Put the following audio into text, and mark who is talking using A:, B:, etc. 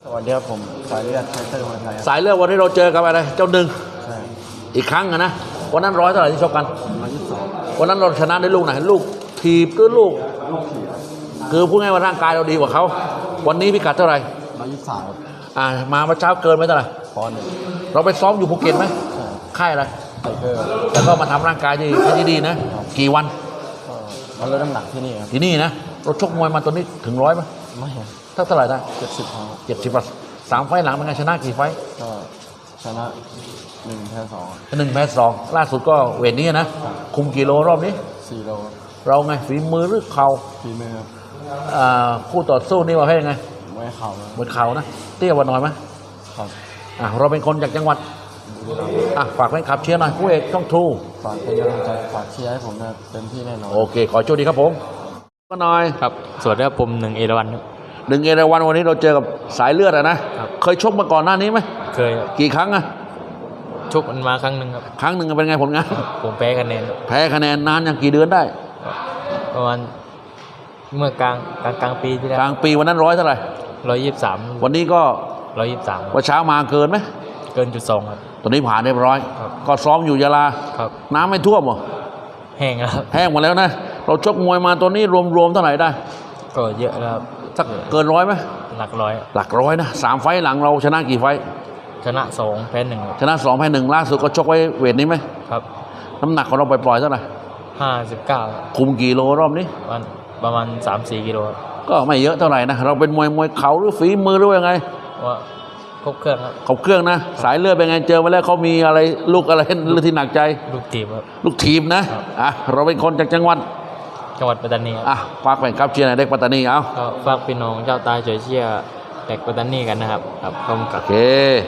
A: สวัสดีครับผมสายเลือดไทเตอร์คนไทยครับ
B: สายเลือดวันนี้เราเจอกับอะไรเจ้าหนึ่ง
A: ใช่
B: อีกครั้งนะวันนั้นร้อยเท่าไหร่ที่ชกกัน
A: 122
B: วันนั้นเราชนะได้ลูกไหนลูกถีบหรือลูกคือพูดง่ายว่าร่างกายเราดีกว่าเขาวันนี้พิกัดเท่าไหร่
A: 123
B: มาเมื่อเช้าเกินไหมเท่าไหร่
A: ปอนด์หนึ่ง
B: เราไปซ้อมอยู่ภูเก็ตไหม
A: ใช่
B: ค่ายอะไร
A: ไทเกอร์
B: แล้วก็มาทำร่างกายที่ดีนะกี่วัน
A: ก็มาลดน้ำหนักที่นี่ครับ
B: ที่นี่นะเราชกมวยมาตัวนี้ถึงร้อยไหม
A: ไม่
B: เท่าไหร่ได้
A: 70ครับ
B: 70 3 ไฟล์หลังเป็นไงชนะกี่ไฟล์
A: ก็ชนะ1แพ้
B: 1 แพ้ 2ล่าสุดก็เวทนี้นะคุมกี่โลรอบนี้
A: 4โล
B: เราไงฝีมือหรือเข่า
A: ฝีมือครับ
B: คู่ต่อสู้นี่ว่าให้ยังไง
A: ไม่เข่า
B: เหมือนเข่านะเตี้ยกว่าหน่อยไหม
A: ครับ
B: เราเป็นคนจากจังหวัดฝากแฟนคลับเชียร์หน่อยคู่เอกช่องทู
A: ฝากเป็นกำลังใจฝากเชียร์ให้ผมนะเต็มที่แน่นอน
B: โอเคขอโชคดีครับผมก็หน่อย
C: ครับสวัสดีครับผม1 เอราวัณครับ
B: 1 เอราวัณวันนี้เราเจอกับสายเลือดนะเคยชกมาก่อนหน้านี้ไหม
C: เคย
B: กี่ครั้ง
C: ชกมันมาครั้งหนึ่งครับ
B: ครั้งหนึ่งเป็นไงผลงาน
C: ผมแพ้คะแนน
B: นานอย่างกี่เดือนได้
C: ประมาณเมื่อกลางปีที่แล้ว
B: กลางปีวันนั้นร้อยเท่าไหร่
C: 123
B: วันนี้ก็
C: 123
B: วันเช้ามาเกินไหม
C: เกิน.2ครับ
B: ตอนนี้ผ่านเรียบร้อยก็ซ้อมอยู่ยะลา
C: ครับ
B: น้ำไม่ท่วมหรอ
C: แห้งครับ
B: แห้งหมดแล้วนะเราชกมวยมาตัวนี้รวมเท่าไหร่ได้
C: ก็เยอะแล้วครับ
B: สักเกิน100ไหม
C: หลักร้อย
B: นะ3 ไฟล์หลังเราชนะกี่ไฟล์
C: ชนะ2แพ้1
B: ชนะ2แพ้1ล่าสุดก็ชกไว้เวทนี้ไหม
C: ครับ
B: น้ำหนักของเราปล่อยเท่าไหร่
C: 59
B: คุมกี่โลรอบนี้
C: ประมาณ 3-4 กิโล
B: ก็ไม่เยอะเท่าไหร่นะเราเป็นมวยเข่าหรือฝีมือหรือยังไง
C: ว่าครบเครื่องครับ
B: ครบเครื่องนะสายเลือดเป็นไงเจอมาแล้วเขามีอะไรลูกอะไรที่หนักใจ
C: ลูกทีมครับ
B: ลูกทีมนะเราเป็นคนจากจังหวัด
C: ปัตตานี
B: ฝากแฟนคลับเชียร์หน่อยเด็กปัตตานีเอา
C: ฝากพี่น้องเจ้าตายช่วยเชียร์เด็กปัตตานีกันนะครับขอบคุณครับ
B: โอเค